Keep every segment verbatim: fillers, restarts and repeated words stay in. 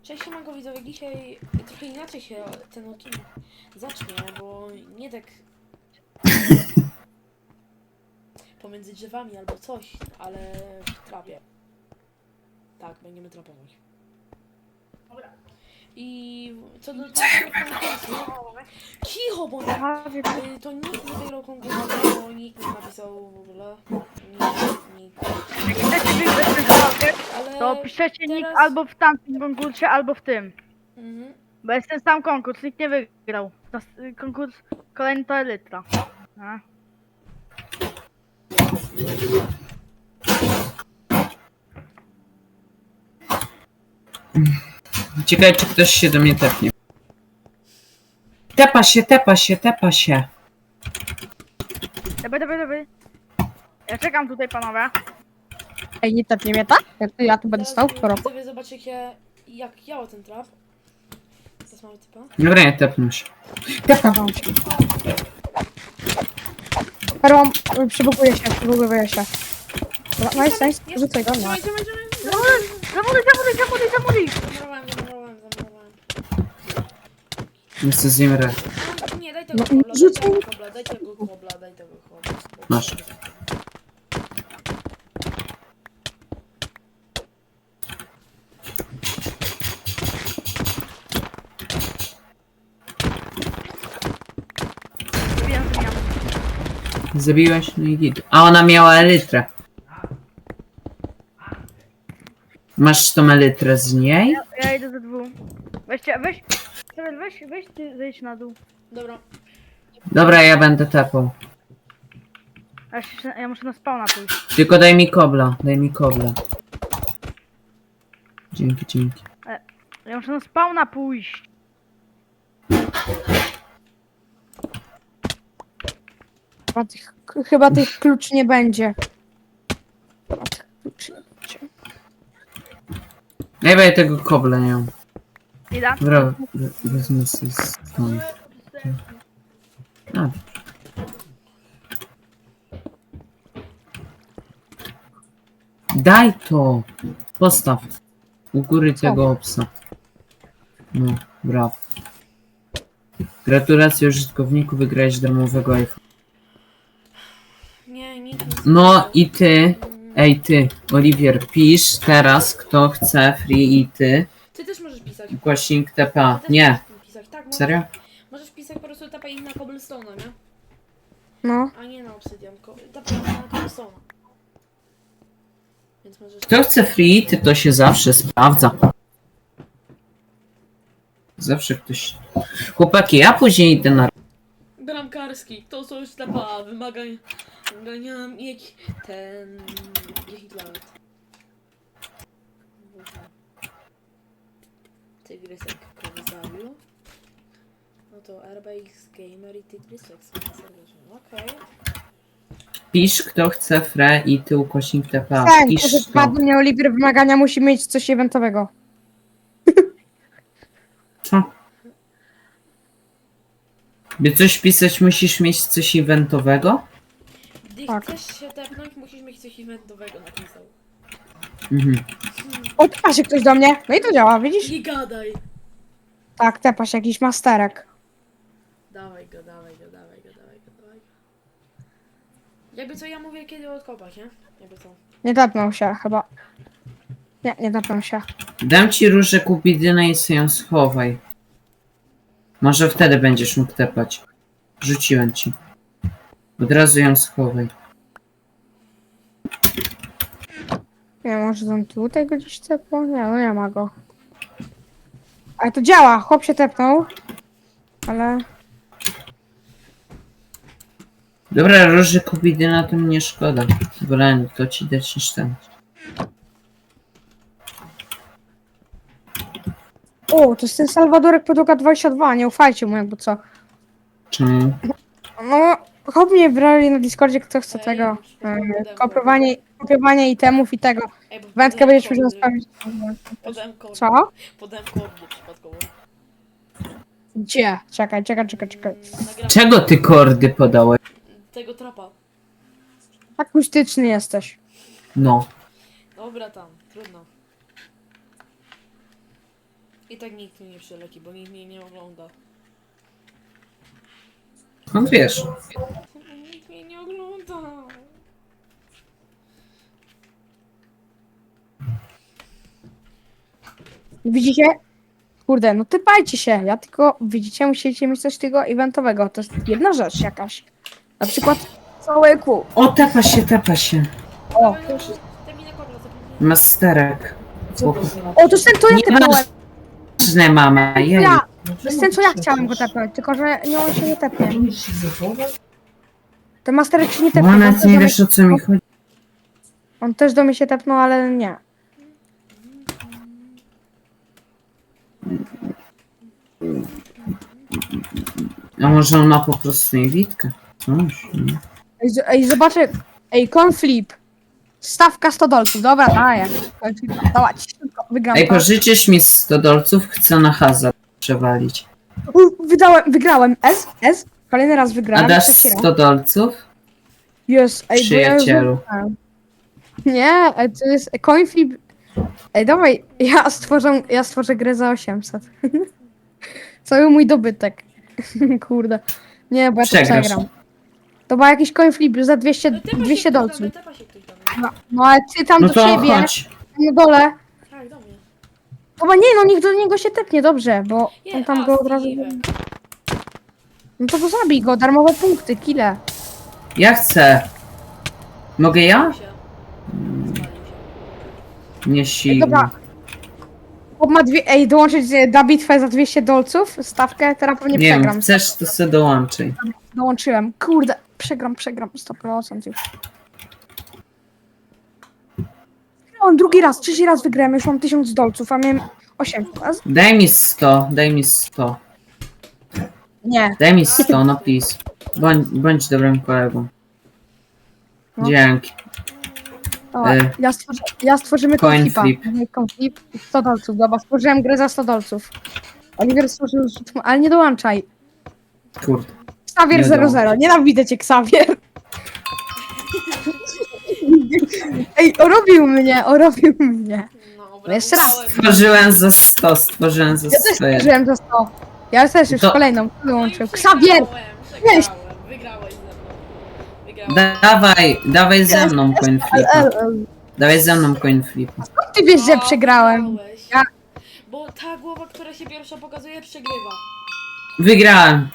Cześć, siemanko widzowie, dzisiaj trochę inaczej się ten odcinek zacznie, bo nie tak pomiędzy drzewami albo coś, ale w trapie. Tak, będziemy trapować. Dobra. I co do tego konkursu, cicho bądź! Y, To nikt nie wygrał konkursu, bo nikt nie napisał w ogóle. Nikt, nikt. Jak chcecie wygrać ten konкурс, to Ale piszecie nick teraz... albo w tamtym konkursie, albo w tym. Mhm. Bo jest ten sam konkurs, nikt nie wygrał. Nas- Konkurs kolejny to Elytra. A. Ciekawe, czy ktoś się do mnie tepnie. Tepa się, tepa się, tepa się. Dobra, dobra, dobra. Ja czekam tutaj, panowie. Ej, nie tepnie mnie, tak? Ja, tu- ja tu będę Teraz stał w korobu. widzowie zobaczycie, jak działa ten trap. Teraz mamy typa. Dobra, nie tepnę się. Tepa wam się. Perłam, przybuguje się, przybuguje się. Dobra, nice, nice, Jest. rzucaj go, no. Dawaj, dawaj, dawaj. Zamuduj, zamuduj, zamuduj, zamuduj! Zamurowałem, zamurowałem, zamurowałem. Jestem z nim re. No, nie, daj tego No, kobla, daj rzucaj. tego kobla, daj tego kobla, daj tego kobla. Masz. Zabijam, zabijam. Zabiłeś? No i git. A ona miała elytrę. Masz tą elytrę z niej? Ja idę ze dwóch. Weźcie, weź, Cyril, weź, weź, ty zejdź na dół. Dobra, Dobra, ja będę tepał. Ja, się, ja muszę na spawna pójść. Tylko daj mi kobla, daj mi kobla. Dzięki, dzięki. Ja muszę na spawna pójść. Chyba tych, chyba tych kluczy nie będzie. Chyba tych kluczy nie będzie. Ja będę tego kobla nie mam. Idę. Dobra, we- wezmę sobie stąd. A, daj to! Postaw. U góry tego obsa. No, brawo. Gratulacje użytkowniku, wygrałeś darmowego iPhone. nie, nikt nie No i ty, Mm, ej ty, Oliwier, pisz teraz, kto chce free i ty. Ty też możesz pisać. Głośnik T P. Ty też Nie, możesz pisać. Tak, możesz, serio? możesz pisać po prostu tapa ich na cobblestone'a, nie? No. A nie na obsydian, tapa ich na cobblestone'a. Więc możesz... Kto chce free, ty to się zawsze sprawdza. Zawsze ktoś... Chłopaki, ja później idę na... Bramkarski, to są już tapa, wymagań... Wymagania mieć ten... dziesięć lat. Tygrysek kogo zabił. No to R B X Gamer i Tygrysek są serdecznie. Okej. Pisz, kto chce free i ty ukośnik T P. Tak, Pisz że to. wpadł mnie Oliver wymagania, musi mieć coś eventowego. Co? By coś pisać, musisz mieć coś eventowego? Gdy Tak. chcesz się tepnąć, musisz mieć coś eventowego napisał. Mhm. O, tepa się ktoś do mnie. No i to działa, widzisz? Nie gadaj! Tak, tepa się jakiś masterek. Dawaj go, dawaj go, dawaj go, dawaj go, dawaj go. Jakby co, ja mówię kiedy odkopać, nie? Jakby co. Nie tepnął się chyba. Nie, nie tepnął się. Dam ci różę kupidynę i sobie ją schowaj. Może wtedy będziesz mógł tepać. Rzuciłem ci. Od razu ją schowaj. Nie, może tam tutaj go gdzieś tepnął? Nie, no nie ma go. Ale to działa, chłop się tepnął. Ale... Dobra, róży kupidyna to mnie szkoda. Wolę to ci dać niż ten. O, to jest ten Salwadorek Podłoga dwadzieścia dwa, nie ufajcie mu jakby co. Czemu? No, chłop mnie brali na Discordzie, kto chce Ej, tego. podam e, kod. Kopiowanie, kopiowanie itemów i tego. Ej, bo Wędkę podałem będziesz kod, musiał y, zostawić. Podałem kod. Co? Podałem kod nieprzypadkowo. Gdzie? Czekaj, czekaj, czekaj, czekaj. Nagram Czego ty kordy podałeś? tego trapa. Akustyczny jesteś. No. Dobra tam, trudno. I tak nikt mnie nie przyleci, bo nikt mnie nie ogląda. No wiesz. Nikt mnie nie ogląda. Widzicie? Kurde, no typajcie się. Ja tylko, widzicie, musicie mieć coś tego eventowego. To jest jedna rzecz jakaś. Na przykład całe kół. O, tepa się, tepa się. O, Termina kobla, zapomniałem. Masterek. o, to jest ten, co ja Nie tepnąłem. Ważne, mama, jej. Ja. To jest ten, co ja chciałem go tepnąć, tylko że nie, on się nie tepnie. Ten masterek się nie tepnie. Bo on nawet też nie do mnie- wiesz, o co mi chodzi. On też do mnie się tepnął, ale nie. A może on ma po prostu niewidkę? Coś, nie? Ej, z- ej zobaczę. Ej, conflip. Stawka sto dolców. Dobra, daję. Dawać. Szybko, wygram Ej, to. pożyczysz mi sto dolców? Chcę na hazard przewalić. U, Wydałem, wygrałem. S, S. Kolejny raz A wygrałem. dasz trzeci raz. sto dolców? Jest, ej, bo ja już Przyjacielu. wygrałem. Nie, ej, to jest coinflip. Ej, dawaj, ja stworzę, ja stworzę grę za osiemset. Cały mój dobytek. Kurde. Nie, bo ja to Przegrasz. przegram. To była jakiś coinflip za dwieście, No, tepa się dwieście ktoś dolców. tam, tepa się ktoś tam. No, no ale ty tam No do to siebie, chodź. na dole. Tak, do mnie. Chyba nie, no niech do niego się tepnie, dobrze, bo Nie, on tam a, go od razu... Steven. No to go zabij go, darmowe punkty, kile. Ja chcę. Mogę ja? Spalił się. Spalił się. Nie Ej, silny. dobra. Chłop ma dwie... Ej, dołączyć e, na bitwę za dwieście dolców, stawkę, teraz pewnie Nie przegram. wiem, chcesz, to sobie dołączaj. Dołączyłem. Kurde, przegram, przegram, sto procent już. On drugi raz, trzeci raz wygrałem, już mam tysiąc dolców, a miałem osiemset. A z- Daj mi sto, daj mi sto. Nie. Daj mi sto, no please. Bądź, bądź dobrym kolegą. No. Dzięki. O, E. ja, stworzy, ja stworzymy Coin konflipa. flip. Konflip sto dolców, dobra, stworzyłem grę za sto dolców. Oliver stworzył, ale nie dołączaj. Kurde. Xavier Nie zero zero, nienawidzę cię, Xavier. Ej, orobił mnie, orobił mnie. No, Jeszcze raz. brawo, Stworzyłem za sto, stworzyłem za Ja też sto. stworzyłem za sto. Ja też już To- kolejną No i wyłączył. przegrałem, Xavier! przegrałem. Weź. Wygrałeś ze mną. Wygrałem. Dawaj, dawaj ze mną coin El, flipa. el, el. Dawaj ze mną coin flipa. Ty wiesz, że O, przegrałem. wygrałeś. Ja- Bo ta głowa, która się pierwsza pokazuje, przegrywa. Wygrałem.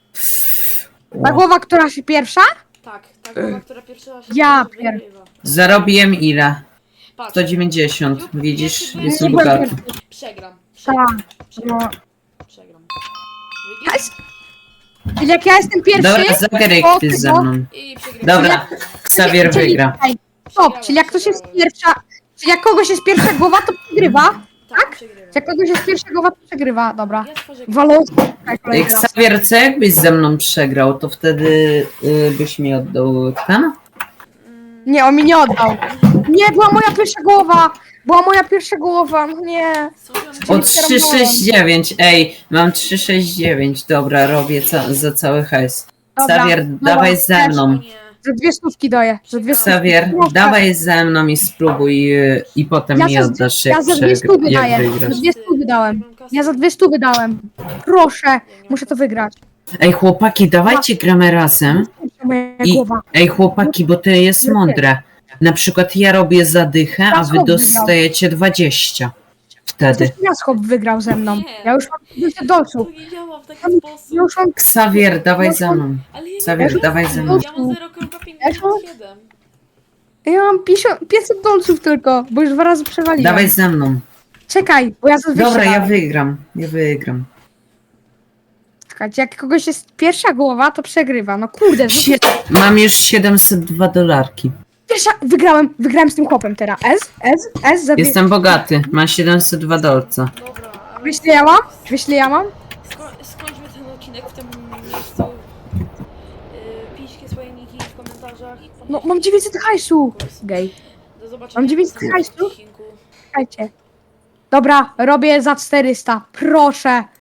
Ta głowa, która się pierwsza? Tak, ta głowa, która pierwsza się Ja pokazuje, pier- wygrywa. Zarobiłem ile? Patrz, sto dziewięćdziesiąt. lub Widzisz? pierwszy Jestem Nie byłem bogaty. pierwszy. przegram. Tak. Przegram. Przegram. No. Przegram. Ja Widzisz? Czyli jak ja jestem pierwszy... Dobra, zagraj to ty ze tego- mną. I przegrałem. Dobra, Xavier czyli- wygra. Ej, stop, czyli jak ktoś jest pierwsza... Czyli jak kogoś jest pierwsza głowa, to przegrywa. Tak, przegrywam. Jak kogoś jest pierwsza głowa, to przegrywa. Dobra. Ja stworzę Walon. Ej, Xavier, co jakbyś ze mną przegrał, to wtedy y, byś mi oddał ten? Nie, on mi nie oddał. Nie, była moja pierwsza głowa. Była moja pierwsza głowa. No nie. O trzy sześć dziewięć, ej, mam trzy sześć dziewięć, dobra, robię ca za cały hajs. Dobra, Xavier, dobra, dawaj ze też. mną. Za dwie stówki daję. Za dwie stówki. Xavier, Proszę. dawaj ze mną i spróbuj y, i potem Ja mi za- oddasz, Ja jak, za dwie przegra- stówy jak daję. wygrasz. Za dwie stówy dałem. Ja za dwie stówy dałem. Proszę. Muszę to wygrać. Ej, chłopaki, dawajcie gramy razem. Moja I- głowa. Ej, chłopaki, bo to jest mądre. Na przykład ja robię zadychę, a wy dostajecie dwadzieścia. Wtedy. Coś Jaskop wygrał ze mną. Nie. Ja już mam dwieście dolców. To nie działa w taki Ja sposób. już mam... Xavier, dawaj ze mną. Ale ja nie Xavier, mam dawaj ze mną. Ja mam zero przecinek pięćdziesiąt siedem. Ja mam pięćdziesiąt pięćset dolców tylko, bo już dwa razy przewaliłem. Dawaj ze mną. Czekaj, bo ja za dwieście Dobra, ja dałem. wygram. Ja wygram. Czekajcie, jak kogoś jest pierwsza głowa, to przegrywa. No kurde, Sie Mam już siedemset dwa dolarki. pierwsza... Wygrałem, wygrałem z tym chłopem teraz. S, S, S za dwie... Jestem bogaty. Mam siedemset dwa dolca. Dobra, ale Wiesz, ile ja mam? Wiesz, ile ja mam? sko skończmy ten odcinek w tym miejscu. Yy, piszcie swoje niki w komentarzach. No, mam dziewięćset hajsu. Gej. Do zobaczenia mam w dziewięćset następnym hajsu. odcinku. Czekajcie. Dobra, robię za czterysta. Proszę.